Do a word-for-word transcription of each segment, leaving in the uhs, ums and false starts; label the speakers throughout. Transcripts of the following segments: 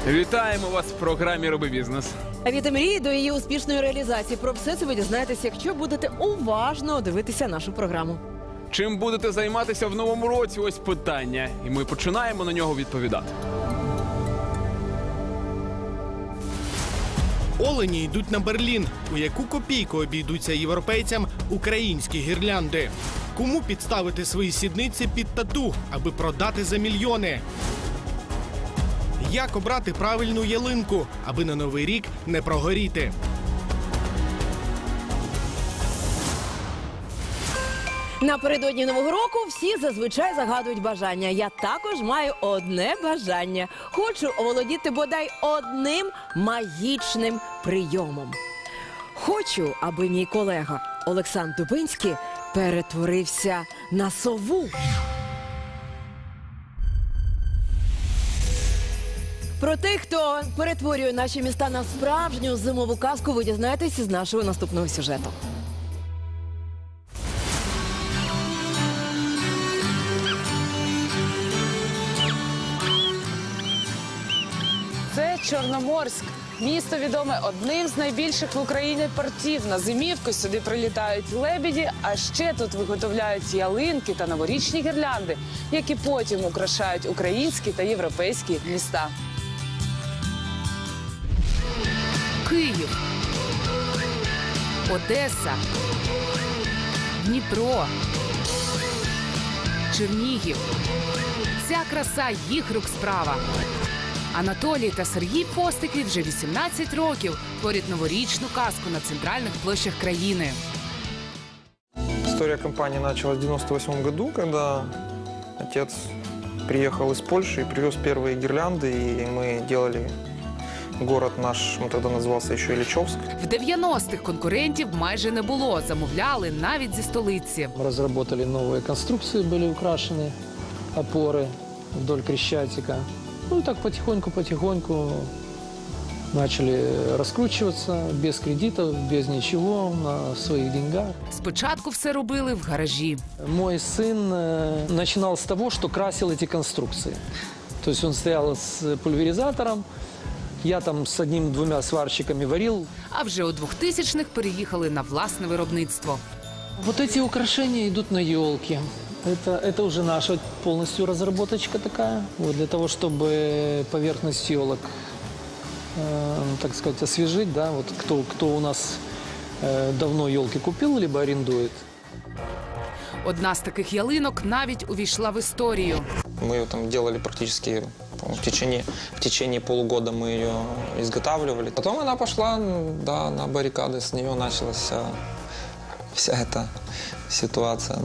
Speaker 1: Вітаємо вас в програмі «Роби бізнес».
Speaker 2: А від мрії до її успішної реалізації. Про все це ви дізнаєтесь, якщо будете уважно дивитися нашу програму.
Speaker 1: Чим будете займатися в новому році? Ось питання. І ми починаємо на нього відповідати.
Speaker 3: Олені йдуть на Берлін. У яку копійку обійдуться європейцям українські гірлянди? Кому підставити свої сідниці під тату, аби продати за мільйони? Як обрати правильну ялинку, аби на Новий рік не прогоріти?
Speaker 2: Напередодні Нового року всі зазвичай загадують бажання. Я також маю одне бажання. Хочу оволодіти бодай одним магічним прийомом. Хочу, аби мій колега Олександр Дубинський перетворився на сову. Про тих, хто перетворює наші міста на справжню зимову казку, ви дізнаєтесь із нашого наступного сюжету.
Speaker 4: Це Чорноморськ. Місто відоме одним з найбільших в Україні портів. На зимівку сюди прилітають лебеді, а ще тут виготовляють ялинки та новорічні гірлянди, які потім украшають українські та європейські міста.
Speaker 5: Київ, Одеса, Дніпро, Чернігів. Ця краса їх рук справа. Анатолій та Сергій Постики вже вісімнадцять років творять новорічну казку на центральних площах країни.
Speaker 6: История компании началась в девяносто восьмом году, когда отец приехал из Польши и привез первые гирлянды, и мы делали город наш, он тогда назывался еще Ильичевск.
Speaker 5: В дев'яностих конкурентів майже не було, замовляли навіть зі столиці.
Speaker 7: Мы разработали новые конструкции, были украшены опоры вдоль Крещатика. Ну и так потихоньку-потихоньку начали раскручиваться без кредитов, без ничего, на своих деньгах.
Speaker 5: Спочатку все робили в гаражі.
Speaker 7: Мой сын э, начинал с того, что красил эти конструкции. То есть он стоял с пульверизатором, я там с одним-двумя сварщиками варил.
Speaker 5: А вже у двохтисячних переїхали на власне виробництво.
Speaker 7: Вот эти украшения идут на елки. Это, это уже наша полностью разработочка такая. Вот, для того, чтобы поверхность елок, э, так сказать, освежить. Да, вот кто, кто у нас э, давно елки купил, либо арендует.
Speaker 5: Одна з таких ялинок навіть увійшла в історію.
Speaker 6: Мы ее там делали практически в течение, в течение полугода мы ее изготавливали. Потом она пошла, да, на баррикады, с нее началась вся, вся эта ситуация.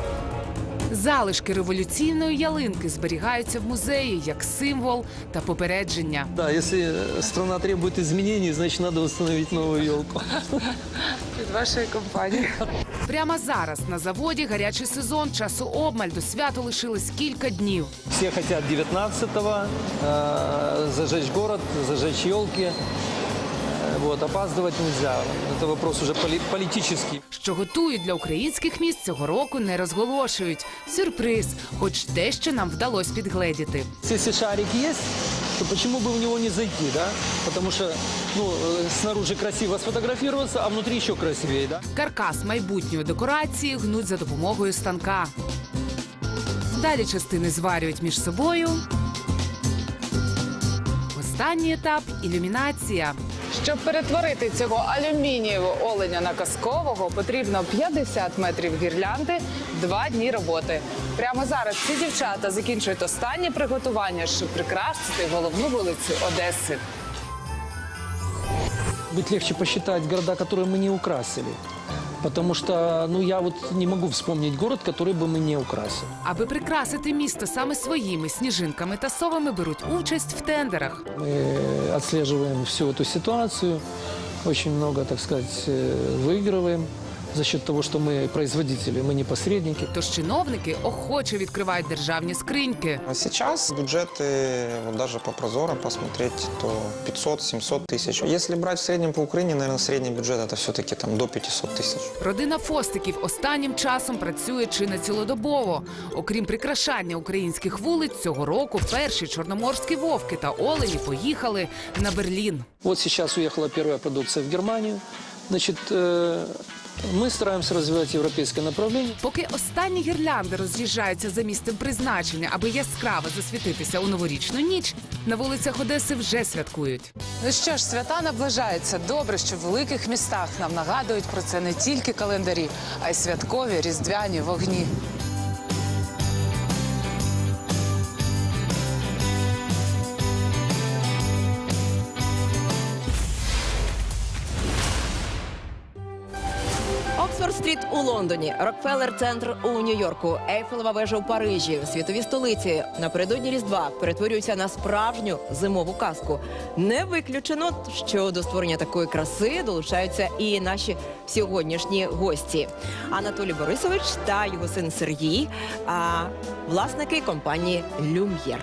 Speaker 5: Залишки революційної ялинки зберігаються в музеї як символ та попередження.
Speaker 7: Да, если страна требует изменений, значит, надо установить новую елку.
Speaker 4: Від вашої компанії.
Speaker 5: Прямо зараз на заводі гарячий сезон, часу обмаль, до свята лишилось кілька днів.
Speaker 7: Все хотят девятнадцатого э, зажечь город, зажечь елки. Вот, опаздывать нельзя. Это вопрос уже поли политический.
Speaker 5: Що готують для українських міст, цього року не розголошують. Сюрприз, хоч дещо нам вдалося підгледіти.
Speaker 7: Если шарик есть, то почему бы в него не зайти, да? Потому что, ну, э, снаружи красиво сфотографироваться, а внутри еще красивее, да?
Speaker 5: Каркас майбутньої декорації гнуть за допомогою станка. Далі частини зварюють між собою. Останній етап – ілюмінація.
Speaker 4: Щоб перетворити цього алюмінієвого оленя на казкового, потрібно п'ятдесят метрів гірлянди, два дні роботи. Прямо зараз ці дівчата закінчують останні приготування, щоб прикрасити головну вулицю Одеси.
Speaker 7: Будет легче посчитать города, которые мы не украсили. Потому что, ну, я вот не могу вспомнить город, который бы мы не украсили.
Speaker 5: Аби прикрасити місто саме своїми сніжинками та совами, беруть участь в тендерах.
Speaker 7: Мы отслеживаем всю эту ситуацию, очень много, так сказать, выигрываем. за счет того, что мы производители, мы не посредники.
Speaker 5: Тож чиновники охоче відкривають державні скриньки.
Speaker 6: А сейчас бюджеты, вот даже по Прозоро посмотреть, то пятьсот-семьсот тысяч. Если брать в среднем по Украине, наверное, средний бюджет это все-таки там до пятисот тысяч.
Speaker 5: Родина Фостиків останнім часом працює чи не цілодобово. Окрім прикрашання українських вулиць, цього року перші чорноморські вовки та олені поїхали на Берлін.
Speaker 7: Вот сейчас уехала первая продукция в Германию. Значит, э, мы стараемся развивать европейское направление.
Speaker 5: Поки останні гірлянди роз'їжджаються за місцем призначення, аби яскраво засвітитися у новорічну ніч, на вулицях Одеси вже святкують.
Speaker 4: Ну що ж, свята наближаються. Добре, що в великих містах нам нагадують про це не тільки календарі, а й святкові різдвяні вогні.
Speaker 2: Оксфорд-стріт у Лондоні, Рокфеллер-центр у Нью-Йорку, Ейфелева вежа у Парижі, світові столиці напередодні Різдва перетворюються на справжню зимову казку. Не виключено, що до створення такої краси долучаються і наші сьогоднішні гості. Анатолій Борисович та його син Сергій, а власники компанії «Люм'єр».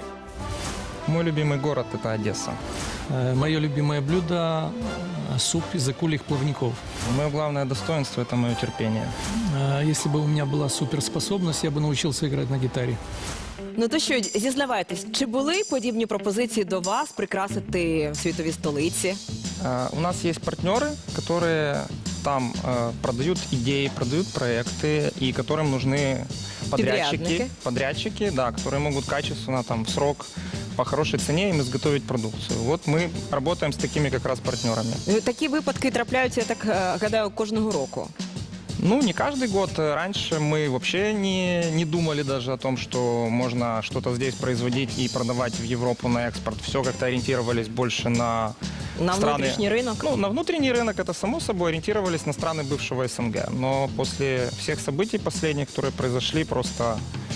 Speaker 8: Мой любимый город – это Одесса.
Speaker 7: Э, Мое любимое блюдо – суп из акульих плавников.
Speaker 8: Мое главное достоинство – это мое терпение.
Speaker 7: Э, Если бы у меня была суперспособность, я бы научился играть на гитаре.
Speaker 2: Ну то що, зізнавайтесь, чи були подібні пропозиції до вас прикрасити світові столиці?
Speaker 8: А, У нас есть партнеры, которые там э, продают идеи, продают проекты, и которым нужны подрядчики,
Speaker 2: Подрядники.
Speaker 8: подрядчики, да, которые могут качественно, там, в срок, по хорошей цене им изготовить продукцию. Вот мы работаем с такими как раз партнерами.
Speaker 2: Такі випадки трапляються, я так е, гадаю, кожного року.
Speaker 8: Ну, не каждый год. Раньше мы вообще не, не думали даже о том, что можно что-то здесь производить и продавать в Европу на экспорт. Все как-то ориентировались больше на
Speaker 2: На
Speaker 8: страны...
Speaker 2: внутрішній ринок?
Speaker 8: Ну, на внутренний рынок это само собой, ориентировались на страны бывшего СНГ. Но после всех событий последних, которые произошли, просто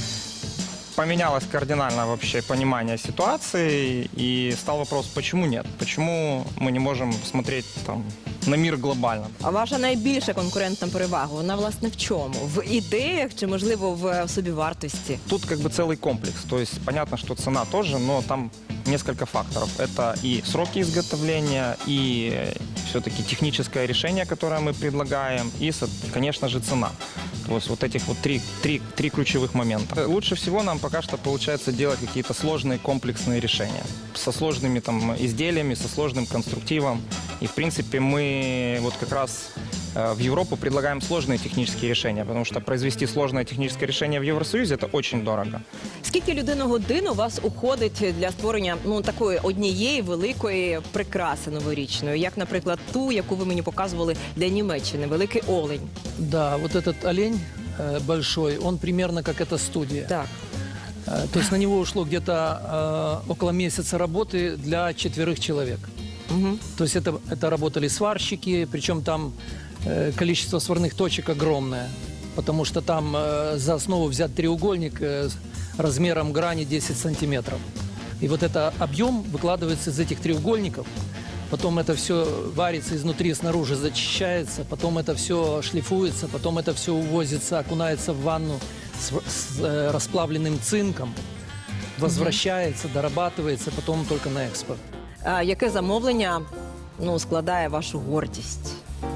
Speaker 8: поменялось кардинально вообще понимание ситуации. И стал вопрос, почему нет? Почему мы не можем смотреть там на мир глобально?
Speaker 2: А ваша найбільша конкурентна перевага, вона, власне, в чому? В ідеях чи, можливо, в собівартості?
Speaker 8: Тут как бы целый комплекс. То есть понятно, что цена тоже, но там несколько факторов. Это и сроки изготовления, и все-таки техническое решение, которое мы предлагаем, и, конечно же, цена. То есть вот этих вот три, три, три ключевых момента. Лучше всего нам пока что получается делать какие-то сложные комплексные решения. Со сложными там изделиями, со сложным конструктивом. И, в принципе, мы вот как раз в Европу предлагаем сложные технические решения, потому что произвести сложное техническое решение в Евросоюзе – это очень дорого.
Speaker 2: Скільки людину-годин у вас уходить для створення ну, такої однієї великої прикраси новорічної, як, наприклад, ту, яку ви мені показували для Німеччини, великий олень?
Speaker 7: Да, вот этот олень э, большой, он примерно как эта студия.
Speaker 2: Так.
Speaker 7: Э, То есть на него ушло где-то э, около месяца работы для четверых человек.
Speaker 2: Угу.
Speaker 7: То есть это, это работали сварщики, причем там э, количество сварных точек огромное, потому что там э, за основу взят треугольник э, с размером грани десять сантиметров. И вот это объем выкладывается из этих треугольников, потом это все варится изнутри, снаружи зачищается, потом это все шлифуется, потом это все увозится, окунается в ванну с, с э, расплавленным цинком, возвращается, дорабатывается, потом только на экспорт.
Speaker 2: А яке замовлення ну, складає вашу гордість?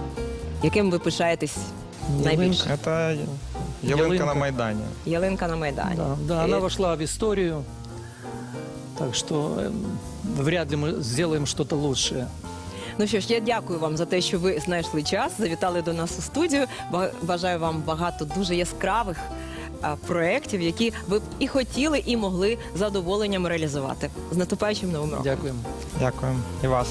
Speaker 2: Яким ви пишаєтесь найбільше?
Speaker 8: Это ялинка
Speaker 7: Ялинка.
Speaker 8: на Майдане.
Speaker 2: Ялинка на Майдані.
Speaker 7: Да, да,
Speaker 2: І-
Speaker 7: она вошла в историю, так что э, вряд ли мы сделаем что-то лучшее.
Speaker 2: Ну що ж, я дякую вам за те, що ви знайшли час, завітали до нас у студію. Ба- Бажаю вам багато дуже яскравих а, проєктів, які ви б і хотіли, і могли з задоволенням реалізувати. З наступаючим новим роком.
Speaker 7: Дякуємо.
Speaker 8: Дякую. И вас.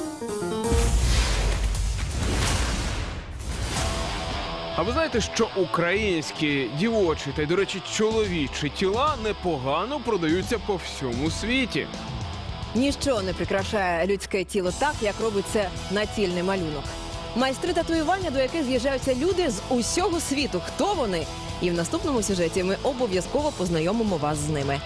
Speaker 1: А ви знаєте, що українські дівочі та й, до речі, чоловічі тіла непогано продаються по всьому світі?
Speaker 2: Ніщо не прикрашає людське тіло так, як робить це націльний малюнок. Майстри татуювання, до яких з'їжджаються люди з усього світу. Хто вони? І в наступному сюжеті ми обов'язково познайомимо вас з ними.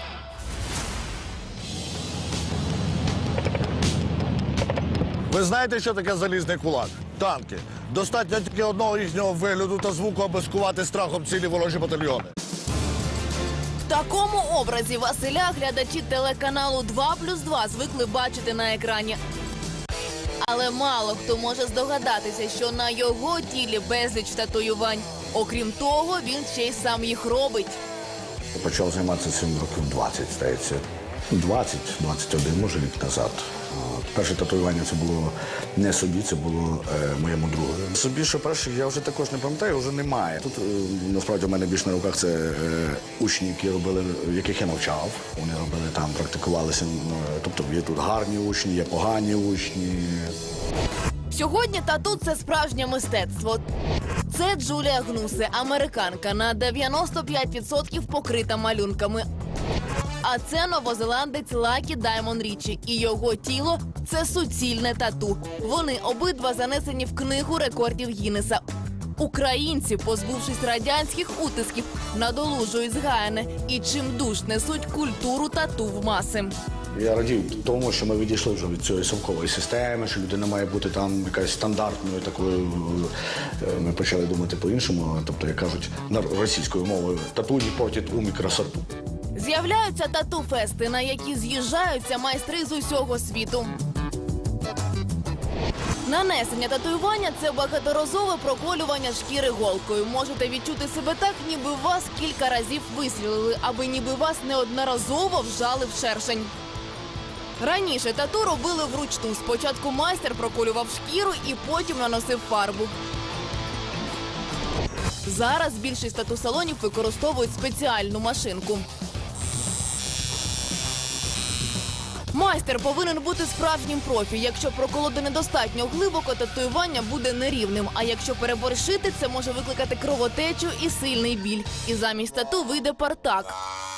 Speaker 9: Ви знаєте, що таке залізний кулак? танки. Достатньо тільки одного їхнього вигляду та звуку, аби скувати страхом цілі ворожі батальйони.
Speaker 2: В такому образі Василя глядачі телеканалу два плюс два звикли бачити на екрані. Але мало хто може здогадатися, що на його тілі безліч татуювань. Окрім того, він ще й сам їх робить.
Speaker 9: Я почав займатися цим років двадцять, здається. двадцять двадцять один, може, рік назад. Перше татуювання це було не собі, це було е, моєму другу. Собі, що перших, я вже також не пам'ятаю, вже немає. Тут, е, насправді, у мене більш на руках це е, учні, які робили, в яких я навчав. Вони робили там, практикувалися. Е, тобто є тут гарні учні, є погані учні.
Speaker 2: Сьогодні тату – це справжнє мистецтво. Це Джулія Гнусе, американка, на дев'яносто п'ять відсотків покрита малюнками. А це новозеландець Лакі Даймон Річі. І його тіло – це суцільне тату. Вони обидва занесені в книгу рекордів Гіннеса. Українці, позбувшись радянських утисків, надолужують згаяне і чимдуж несуть культуру тату в маси.
Speaker 9: Я радію тому, що ми відійшли вже від цієї совкової системи, що людина має бути там якась стандартною такою. Ми почали думати по-іншому, тобто, як кажуть, російською мовою, тату не портить ум і красоту.
Speaker 2: З'являються тату-фести, на які з'їжджаються майстри з усього світу. Нанесення татуювання – це багаторазове проколювання шкіри голкою. Можете відчути себе так, ніби вас кілька разів вистрілили, аби ніби вас неодноразово вжали в шершень. Раніше тату робили вручну. Спочатку майстер проколював шкіру і потім наносив фарбу. Зараз більшість тату-салонів використовують спеціальну машинку. Майстер повинен бути справжнім профі. Якщо проколоти недостатньо глибоко, татуювання буде нерівним. А якщо переборщити, це може викликати кровотечу і сильний біль. І замість тату вийде партак.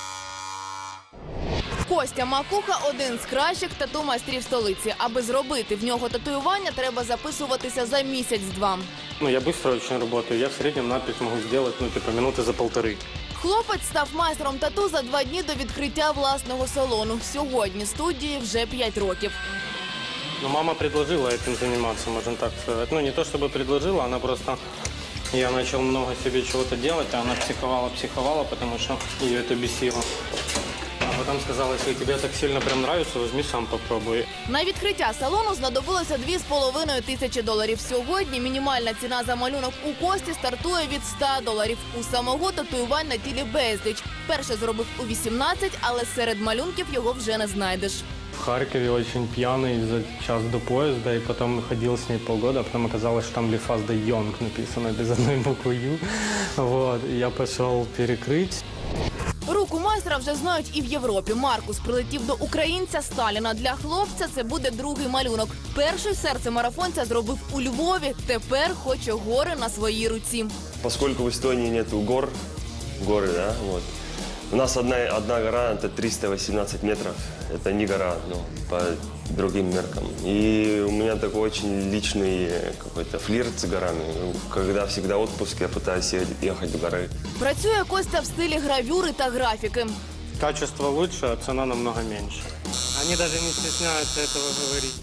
Speaker 2: Костя Макуха – один з кращих тату-майстрів столиці. Аби зробити в нього татуювання, треба записуватися за місяць-два.
Speaker 10: Ну, я быстро очень работаю. Я в среднем надпись могу сделать, ну, типа, минуты за полторы.
Speaker 2: Хлопець став майстром тату за два дні до відкриття власного салону. Сьогодні студії вже п'ять років.
Speaker 10: Ну, мама предложила этим заниматься, можно так сказать. Ну, не то чтобы предложила, она просто... Я начал много себе чего-то делать, а она психовала, психовала, потому что ее это бесило. А потом сказала, если тебе так сильно прям нравится, возьми сам попробуй.
Speaker 2: На відкриття салону знадобилося дві з половиною тисячі доларів. Сьогодні мінімальна ціна за малюнок у Кості стартує від ста доларів. У самого татуювань на тілі безліч. Перше зробив у вісімнадцять, але серед малюнків його вже не знайдеш.
Speaker 10: В Харькове очень пьяный за час до поезда, и потом ходил с ней полгода, а потом оказалось, что там Лифас де Йонг написано без одной буквы Ю. Вот, и я пошел перекрыть.
Speaker 2: Руку майстра вже знають і в Європі. Маркус прилетів до українця Сталіна. Для хлопця це буде другий малюнок. Перший серце марафонця зробив у Львові. Тепер хоче гори на своїй руці.
Speaker 11: Поскольку в Эстонии нету гор, горы, да, вот. У нас одна, одна гора, это триста восемнадцать метров. Это не гора, ну, по другим меркам. И у меня такой очень личный какой-то флирт с горами. Когда всегда отпуск, я пытаюсь ехать в горы.
Speaker 2: Працює Костя в стилі гравюри та графіки.
Speaker 10: Качество лучше, а цена намного меньше. Они даже не стесняются этого говорить.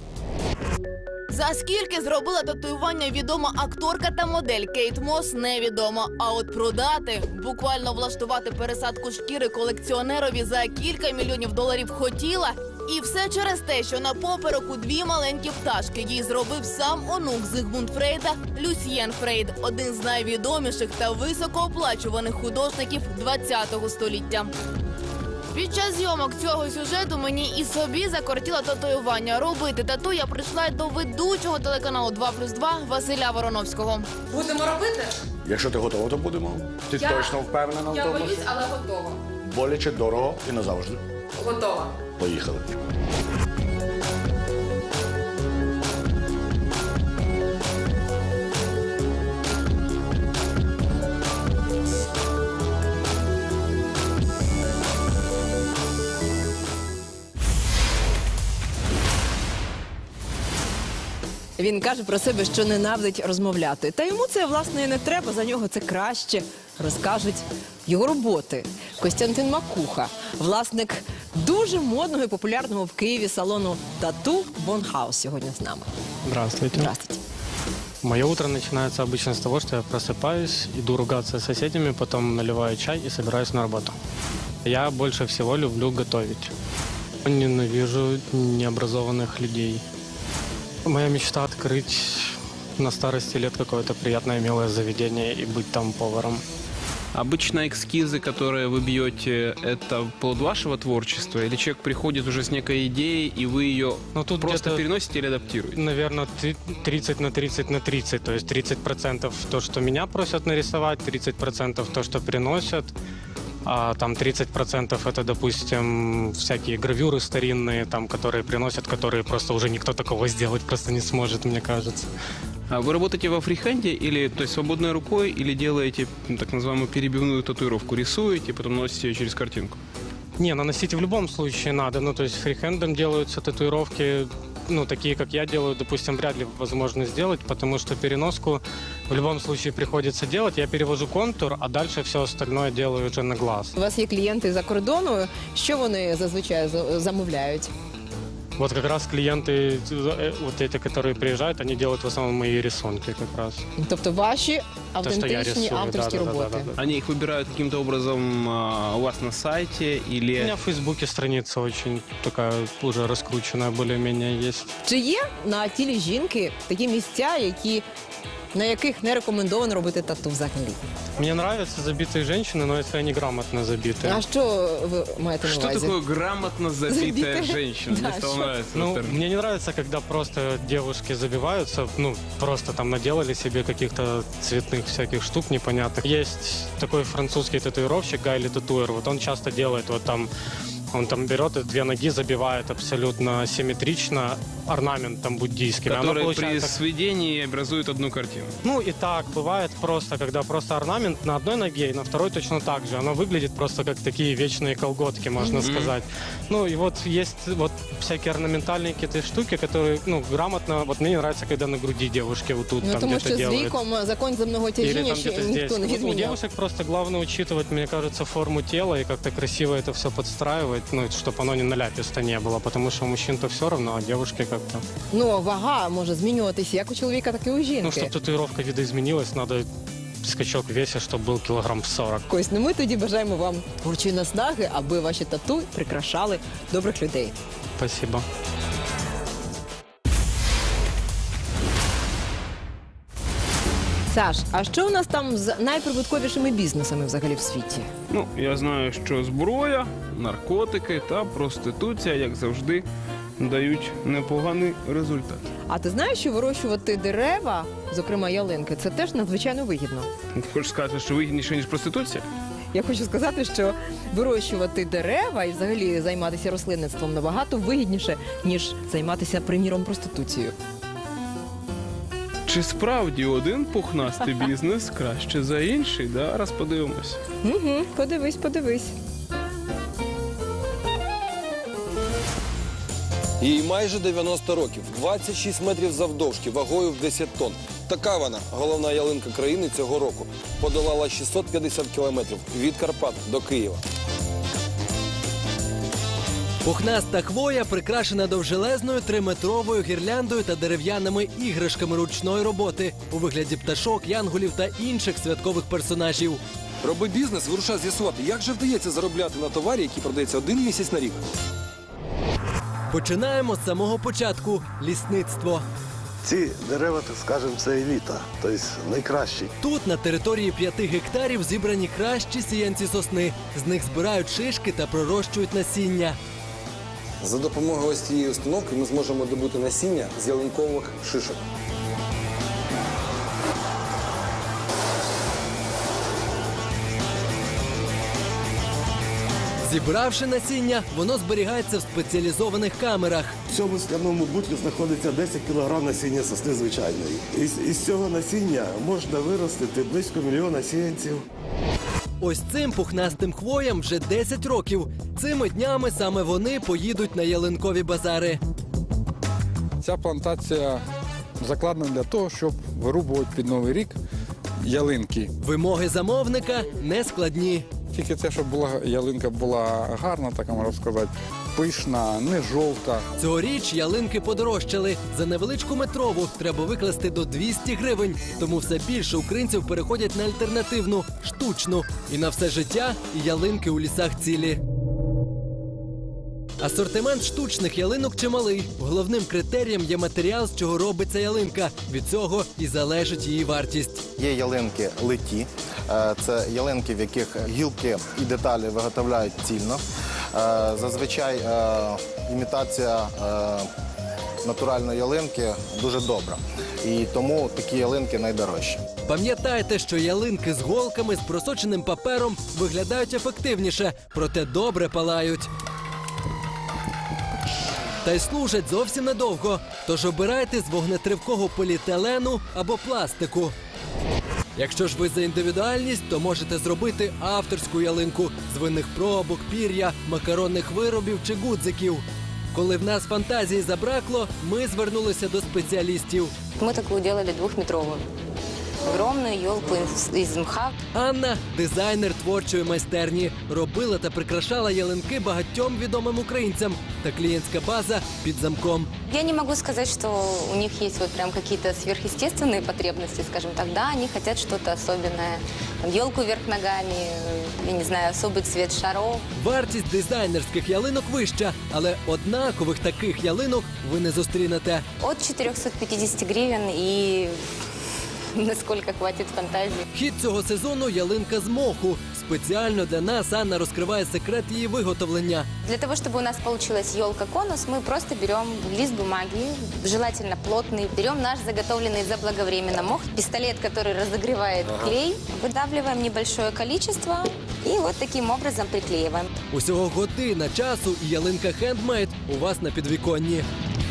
Speaker 2: За скільки зробила татуювання відома акторка та модель Кейт Мос, невідомо. А от продати, буквально влаштувати пересадку шкіри колекціонерові за кілька мільйонів доларів хотіла. І все через те, що на попереку дві маленькі пташки їй зробив сам онук Зигмунд Фрейда Люсьєн Фрейд, один з найвідоміших та високооплачуваних художників ХХ століття. Під час зйомок цього сюжету мені і собі закортіло татуювання. Робити тату я прийшла й до ведучого телеканалу два плюс два Василя Вороновського.
Speaker 5: Будемо робити?
Speaker 9: Якщо ти готова, то будемо. Ти
Speaker 5: Я-
Speaker 9: точно впевнена в
Speaker 5: Я
Speaker 9: тому?
Speaker 5: боюсь, але готова.
Speaker 9: Боляче, дорого і назавжди.
Speaker 5: Готова.
Speaker 9: Поїхали.
Speaker 2: Він каже про себе, що ненавидить розмовляти. Та йому це, власне, і не треба, за нього це краще розкажуть його роботи. Костянтин Макуха, власник дуже модного і популярного в Києві салону тату «Бонхаус» сьогодні з нами.
Speaker 10: Здравствуйте.
Speaker 2: Здравствуйте.
Speaker 12: Мое утро начинается обычно с того, что я просыпаюсь, иду ругаться с соседями, потом наливаю чай и собираюсь на работу. Я больше всего люблю готовить. Ненавижу необразованных людей. Моя мечта — открыть на старости лет какое-то приятное милое заведение и быть там поваром.
Speaker 1: Обычно эскизы, которые вы бьете, это плод вашего творчества? Или человек приходит уже с некой идеей, и вы ее
Speaker 12: Ну, тут
Speaker 1: просто
Speaker 12: где-то,
Speaker 1: переносите или адаптируете?
Speaker 12: наверное, тридцать на тридцать на тридцать. То есть тридцать процентов то, что меня просят нарисовать, тридцать процентов то, что приносят. А там тридцать процентов это, допустим, всякие гравюры старинные, там, которые приносят, которые просто уже никто такого сделать просто не сможет, мне кажется.
Speaker 1: А вы работаете во фрихенде, или, то есть свободной рукой, или делаете ну, так называемую перебивную татуировку, рисуете, потом носите ее через картинку?
Speaker 12: Не, наносить в любом случае надо. Ну, то есть фрихендом делаются татуировки, ну, такие, как я делаю, допустим, вряд ли возможно сделать, потому что переноску в любом случае приходится делать. Я перевожу контур, а дальше все остальное делаю вже на глаз.
Speaker 2: У вас є клієнти за кордону. Що вони зазвичай за- замовляють?
Speaker 12: Вот как раз клиенты, э, вот эти, которые приезжают, они делают в основном мои рисунки как раз.
Speaker 2: Тобто ваші
Speaker 12: я
Speaker 2: автентичні
Speaker 12: рисую,
Speaker 2: авторські
Speaker 12: да-да-да-да-да.
Speaker 2: роботи.
Speaker 1: Они их выбирают каким-то образом а, у вас на сайте,
Speaker 12: У
Speaker 1: или...
Speaker 12: меня в Фейсбуке страница очень такая уже раскрученная, более-менее есть.
Speaker 2: Чи є на тілі жінки такі місця, які, на яких не рекомендовано робити тату взагалі?
Speaker 12: Мне нравятся забитые женщины, но если они грамотно забиты.
Speaker 2: А що ви маєте на
Speaker 1: Что
Speaker 2: увазі?
Speaker 1: такое грамотно забитая
Speaker 2: Забитая?
Speaker 1: женщина?
Speaker 2: Да,
Speaker 1: Мне стало
Speaker 2: что?
Speaker 1: нравиться.
Speaker 12: Ну,
Speaker 1: этот термин.
Speaker 12: мне не нравится, когда просто девушки забиваются, ну, просто там наделали себе каких-то цветных всяких штук непонятных. Есть такой французский татуировщик Гайли Татуэр, вот он часто делает вот там, он там берет и две ноги, забивает абсолютно симметрично орнаментом буддийским. И оно
Speaker 1: Который при
Speaker 12: получается-
Speaker 1: сведении образует одну картину.
Speaker 12: Ну и так бывает просто, когда просто орнамент на одной ноге и на второй точно так же. Оно выглядит просто как такие вечные колготки, можно
Speaker 1: Мгм.
Speaker 12: сказать. Ну и вот есть вот всякие орнаментальные какие-то штуки, которые, ну, грамотно, вот мне не нравится, когда на груди девушки вот тут
Speaker 2: Ну,
Speaker 12: там
Speaker 2: тому
Speaker 12: где-то
Speaker 2: що з
Speaker 12: делают.
Speaker 2: віком закон земного
Speaker 12: Или
Speaker 2: тяжіння
Speaker 12: там
Speaker 2: ще
Speaker 12: где-то здесь.
Speaker 2: ніхто не
Speaker 12: Вот у
Speaker 2: відміняв.
Speaker 12: девушек просто главное учитывать, мне кажется, форму тела и как-то красиво это все подстраивать, ну, чтобы оно не наляписто не было, потому что у мужчин-то все равно, а девушки как-то...
Speaker 2: Ну, вага може змінюватися як у чоловіка, так і у
Speaker 12: Ну,
Speaker 2: жінки.
Speaker 12: чтобы татуировка видоизменилась, надо скачок в весе, чтобы был килограмм сорок.
Speaker 2: Ось, ну ми тоді бажаємо вам творчої наснаги, аби ваші тату прикрашали добрих людей.
Speaker 12: Спасибо.
Speaker 2: Саш, а що у нас там з найприбутковішими бізнесами взагалі в світі?
Speaker 1: Ну, я знаю, що зброя, наркотики та проституція, як завжди, дають непоганий результат.
Speaker 2: А ти знаєш, що вирощувати дерева, зокрема ялинки, це теж надзвичайно вигідно.
Speaker 1: Ти хочеш сказати, що вигідніше, ніж проституція?
Speaker 2: Я хочу сказати, що вирощувати дерева і взагалі займатися рослинництвом набагато вигідніше, ніж займатися, приміром, проституцією.
Speaker 1: Чи справді один пухнастий бізнес краще за інший? Да? Раз подивимось.
Speaker 2: Угу, подивись, подивись.
Speaker 13: Їй майже дев'яносто років, двадцять шість метрів завдовжки, вагою в десять тонн. Така вона, головна ялинка країни цього року. Подолала шістсот п'ятдесят кілометрів від Карпат до Києва.
Speaker 14: Пухнаста хвоя прикрашена довжелезною триметровою гірляндою та дерев'яними іграшками ручної роботи у вигляді пташок, янголів та інших святкових персонажів.
Speaker 13: Роби бізнес, вирушай з'ясувати, як же вдається заробляти на товарі, який продається один місяць на рік.
Speaker 14: Починаємо з самого початку – лісництво.
Speaker 15: Ці дерева, так скажемо, це еліта, тобто найкращі.
Speaker 14: Тут на території п'яти гектарів зібрані кращі сіянці сосни. З них збирають шишки та пророщують насіння.
Speaker 13: За допомогою ось цієї установки ми зможемо добути насіння з ялинкових шишок.
Speaker 14: Зібравши насіння, воно зберігається в спеціалізованих камерах.
Speaker 15: В цьому скляному бутлі знаходиться десять кілограм насіння сосни звичайної. Із, із цього насіння можна виростити близько мільйона сіянців.
Speaker 14: Ось цим пухнастим хвоям вже десять років. Цими днями саме вони поїдуть на ялинкові базари.
Speaker 16: Ця плантація закладена для того, щоб вирубувати під Новий рік ялинки.
Speaker 14: Вимоги замовника не складні.
Speaker 16: Тільки те, щоб була ялинка була гарна, так можна сказати, пишна, не жовта.
Speaker 14: Цьогоріч ялинки подорожчали. За невеличку метрову треба викласти до двісті гривень. Тому все більше українців переходять на альтернативну, штучну. І на все життя і ялинки у лісах цілі. Асортимент штучних ялинок чималий. Головним критерієм є матеріал, з чого робиться ялинка. Від цього і залежить її вартість.
Speaker 17: Є ялинки литі. Е, Це ялинки, в яких гілки і деталі виготовляють цільно. Е, Зазвичай е, імітація е, натуральної ялинки дуже добра. І тому такі ялинки найдорожчі.
Speaker 14: Пам'ятайте, що ялинки з голками, з просоченим папером виглядають ефективніше, проте добре палають. Та й служать зовсім недовго, тож обирайте з вогнетривкого поліетилену або пластику. Якщо ж ви за індивідуальність, то можете зробити авторську ялинку з винних пробок, пір'я, макаронних виробів чи гудзиків. Коли в нас фантазії забракло, ми звернулися до спеціалістів.
Speaker 18: Мы такую делали двухметровую. Огромную елку из, из мха.
Speaker 14: Анна – дизайнер творчої майстерні. Робила та прикрашала ялинки багатьом відомим українцям. Та клієнтська база під замком.
Speaker 18: Я не могу сказать, что у них есть вот прям какие-то сверхъестественные потребности, скажем так. Да, они хотят что-то особенное. Там, елку вверх ногами, я не знаю, особый цвет шаров.
Speaker 14: Вартість дизайнерських ялинок вища, але однакових таких ялинок ви не зустрінете.
Speaker 18: От четырёхсот пятидесяти гривен и насколько хватит фантазии.
Speaker 14: Хід цього сезону – ялинка з моху. Спеціально для нас Анна розкриває секрет її виготовлення.
Speaker 18: Для того, чтобы у нас получилась елка-конус, мы просто берем лист бумаги, желательно плотный, берем наш заготовленный заблаговременно мох, пистолет, который разогревает клей, выдавливаем небольшое количество и вот таким образом приклеиваем.
Speaker 14: Усього година часу і ялинка хендмейд у вас на підвіконні.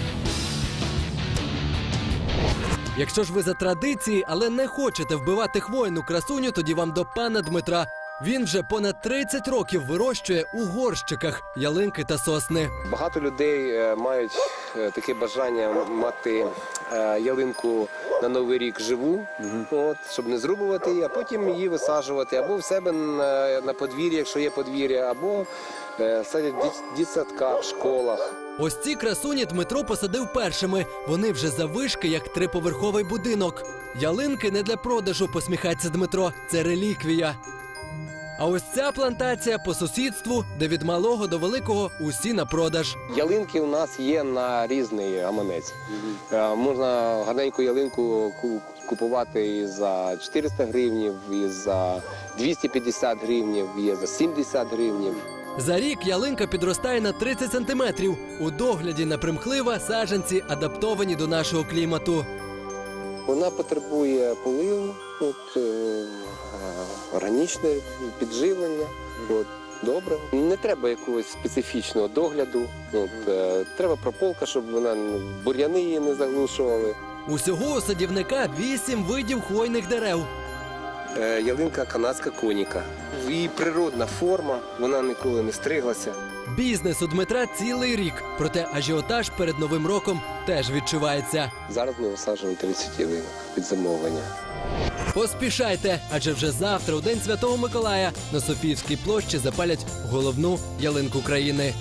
Speaker 14: Якщо ж ви за традиції, але не хочете вбивати хвойну красуню, тоді вам до пана Дмитра. Він вже понад тридцять років вирощує у горщиках ялинки та сосни.
Speaker 19: Багато людей е, мають е, таке бажання мати е, ялинку на Новий рік живу, от, щоб не зрубувати її, а потім її висаджувати або в себе на, на подвір'ї, якщо є подвір'я, або е, садять в дит- дитсадках, в школах.
Speaker 14: Ось ці красуні Дмитро посадив першими. Вони вже заввишки, як триповерховий будинок. Ялинки не для продажу, посміхається Дмитро. Це реліквія. А ось ця плантація по сусідству, де від малого до великого усі на продаж.
Speaker 19: Ялинки у нас є на різний гаманець. Е, Можна гарненьку ялинку ку- купувати і за чотириста гривнів, і за двісті п'ятдесят гривнів, і за сімдесят гривнів.
Speaker 14: За рік ялинка підростає на тридцять сантиметрів. У догляді напримхлива, саджанці адаптовані до нашого клімату.
Speaker 19: Вона потребує поливу, от, е, органічне підживлення, от, добре. Не треба якогось специфічного догляду, от, е, треба прополка, щоб вона бур'яни її не заглушували.
Speaker 14: Усього у садівника вісім видів хвойних дерев.
Speaker 19: Е, ялинка канадська коніка. Її природна форма, вона ніколи не стриглася.
Speaker 14: Бізнес у Дмитра цілий рік, проте ажіотаж перед Новим роком теж відчувається.
Speaker 19: Зараз ми висаджуємо тридцять ялинок під замовлення.
Speaker 14: Поспішайте, адже вже завтра, у День Святого Миколая, на Софіївській площі запалять головну ялинку країни.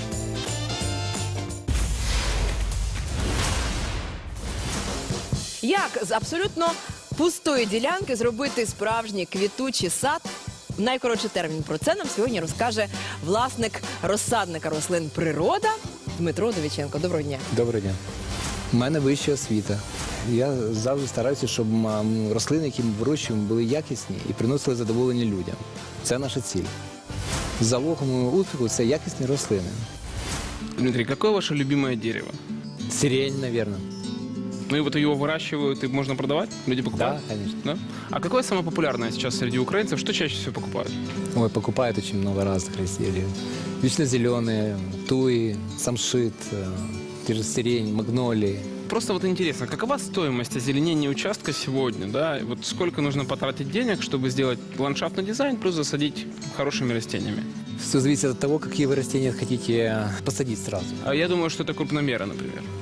Speaker 2: Як з абсолютно пустої ділянки зробити справжній квітучий сад? В найкоротший термін про це нам сьогодні розкаже власник розсадника рослин «Природа» Дмитро Довіченко. Доброго дня.
Speaker 20: Доброго дня. У мене вища освіта. Я завжди стараюся, щоб м, рослини, які ми вирощуємо, були якісні і приносили задоволення людям. Це наша ціль. Залогом успіху – це якісні рослини.
Speaker 1: Дмитрий, какое ваше любимое дерево?
Speaker 20: Сирень, наверное.
Speaker 1: Ну и вот ее выращивают, и можно продавать? Люди покупают?
Speaker 20: Да, конечно.
Speaker 1: Да? А какое самое популярное сейчас среди украинцев? Что чаще всего покупают?
Speaker 20: Ой, покупают очень много разных растений. Вечно зеленые, туи, самшит, э, те же сирень, магнолии.
Speaker 1: Просто вот интересно, какова стоимость озеленения участка сегодня, да? И вот сколько нужно потратить денег, чтобы сделать ландшафтный дизайн, плюс засадить хорошими растениями?
Speaker 20: Все зависит от того, какие вы растения хотите посадить сразу.
Speaker 1: А я думаю, что это крупномеры, например.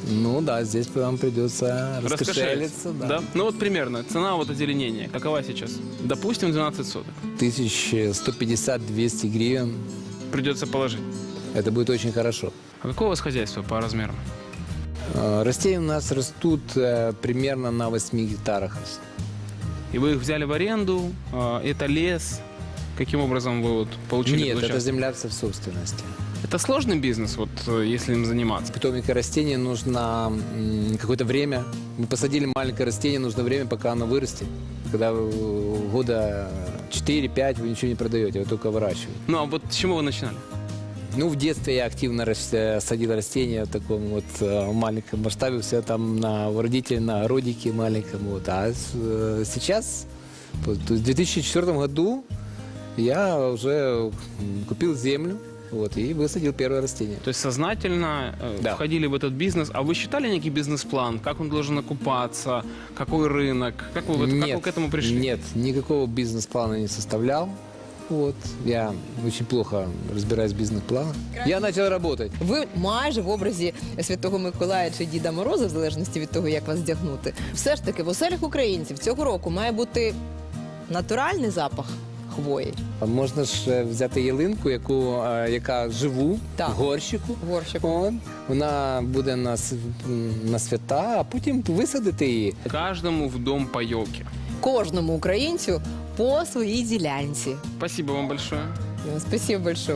Speaker 20: Ну да, здесь вам придется раскошелиться. Да.
Speaker 1: Да? Ну вот примерно. Цена вот озеленения. Какова сейчас? Допустим, двенадцать соток.
Speaker 20: тысяча сто пятьдесят - двести гривен.
Speaker 1: Придется положить.
Speaker 20: Это будет очень хорошо.
Speaker 1: А какое у вас хозяйство по размерам?
Speaker 20: Э, Растения у нас растут э, примерно на восьми гектарах.
Speaker 1: И вы их взяли в аренду? э, Это лес? Каким образом вы вот получили
Speaker 20: Нет,
Speaker 1: этот
Speaker 20: это
Speaker 1: участок?
Speaker 20: земля вся в собственности.
Speaker 1: Это сложный бизнес, вот э, если им заниматься?
Speaker 20: Питомника растения нужно м, какое-то время. Мы посадили маленькое растение, нужно время, пока оно вырастет. Когда э, года четыре-пять вы ничего не продаете, вы только выращиваете.
Speaker 1: Ну а вот с чего вы начинали?
Speaker 20: Ну, в детстве я активно рас- э, садил растения в таком вот э, маленьком масштабе, все там на у родителей, на родике маленьком. Вот. А с- э, сейчас, вот, в две тысячи четвёртом году, я уже м, купил землю, вот, и высадил первое растение.
Speaker 1: То есть сознательно э,
Speaker 20: Да.
Speaker 1: входили в этот бизнес. А вы считали некий бизнес-план? Как он должен окупаться? Какой рынок? Как вы, вот- как вы
Speaker 20: Нет,
Speaker 1: к этому пришли?
Speaker 20: Нет, никакого бизнес-плана не составлял. Вот. Я очень плохо разбираюсь в бизнес-планах. Я начал работать.
Speaker 2: Ви майже в образі Святого Миколая чи Діда Мороза, в залежності від того, як вас вдягнути. Все ж таки, в оселях українців цього року має бути натуральний запах хвої.
Speaker 20: А можна ж е, взяти ялинку, яку, е, яка живу в горщику. От. Вона буде на, с- м, на свята, а потім висадити її.
Speaker 1: Каждому в дом по елке.
Speaker 2: Кожному українцю по своїй ділянці.
Speaker 1: Спасибо вам большое.
Speaker 2: Ну, Спасибо большое.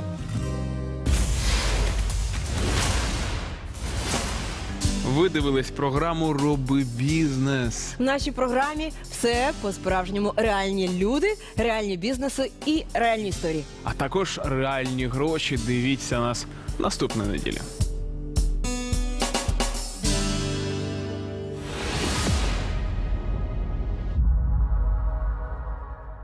Speaker 1: Ви дивились програму «Роби бізнес».
Speaker 2: В нашій програмі все по-справжньому реальні люди, реальні бізнеси і реальні історії.
Speaker 1: А також реальні гроші. Дивіться нас наступної неділі.